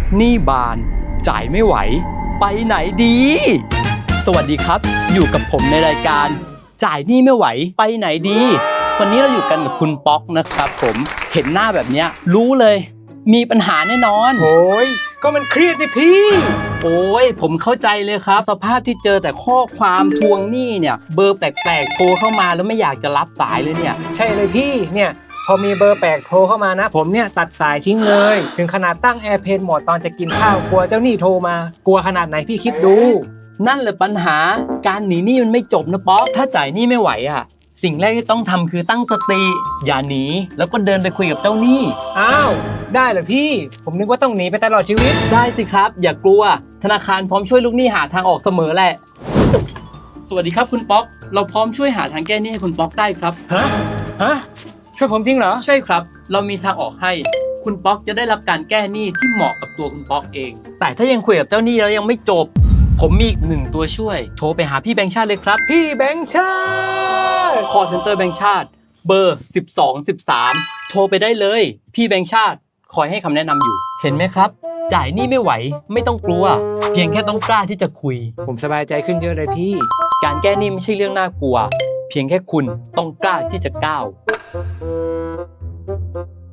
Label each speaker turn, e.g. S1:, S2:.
S1: หนี้บานจ่ายไม่ไหวไปไหนดี สวัสดีครับอยู่กับผมในรายการจ่ายหนี้ไม่ไหวไปไหนดีวันนี้เราอยู่กันกับคุณป๊อกนะครับผมเห็นหน้าแบบเนี้ยรู้เลยมีปัญหาแน่นอน
S2: โอ้ยก็มันเครียดนี่พี่
S1: โอ้ยผมเข้าใจเลยครับสภาพที่เจอแต่ข้อความทวงหนี้เนี่ยเบอร์แปลกๆโทรเข้ามาแล้วไม่อยากจะรับสายเลยเนี่ย
S2: ใช่เลยพี่เนี่ยพอมีเบอร์แปลกโทรเข้ามานะผมเนี่ยตัดสายทิ้งเลยถึงขนาดตั้ง Airplane Mode ตอนจะกินข้าวกลัวเจ้าหนี้โทรมากลัวขนาดไหนพี่คิดดู
S1: นั่นแหละปัญหาการหนีหนี้มันไม่จบนะป๊อกถ้าจ่ายหนี้ไม่ไหวอ่ะสิ่งแรกที่ต้องทำคือตั้งสติอย่าหนีแล้วก็เดินไปคุยกับเจ้าหนี้
S2: อ้าวได้เหรอพี่ผมนึกว่าต้องหนีไปตลอดชีวิต
S1: ได้สิครับอย่ากลัวธนาคารพร้อมช่วยลูกหนี้หาทางออกเสมอแหละสวัสดีครับคุณป๊อกเราพร้อมช่วยหาทางแก้หนี้ให้คุณป๊อกได้ครับ
S2: ฮะช่วยผมจริงเหรอ
S1: ใช่ครับเรามีทางออกให้คุณป๊อกจะได้รับการแก้หนี้ที่เหมาะกับตัวคุณป๊อกเองแต่ถ้ายังคุยกับเจ้าหนี้แล้วยังไม่จบผมมีอีก1ตัวช่วยโทรไปหาพี่แบงค์ชาติเลยครับ
S2: พี่แบงค์ชาติ
S1: call center แบงค์ชาติเบอร์1213โทรไปได้เลยพี่แบงค์ชาติคอยให้คำแนะนำอยู่เห็นไหมครับจ่ายหนี้ไม่ไหวไม่ต้องกลัวเพียงแค่ต้องกล้าที่จะคุย
S2: ผมสบายใจขึ้นเยอะเลยพี่
S1: การแก้หนี้ไม่ใช่เรื่องน่ากลัวเพียงแค่คุณต้องกล้าที่จะก้าว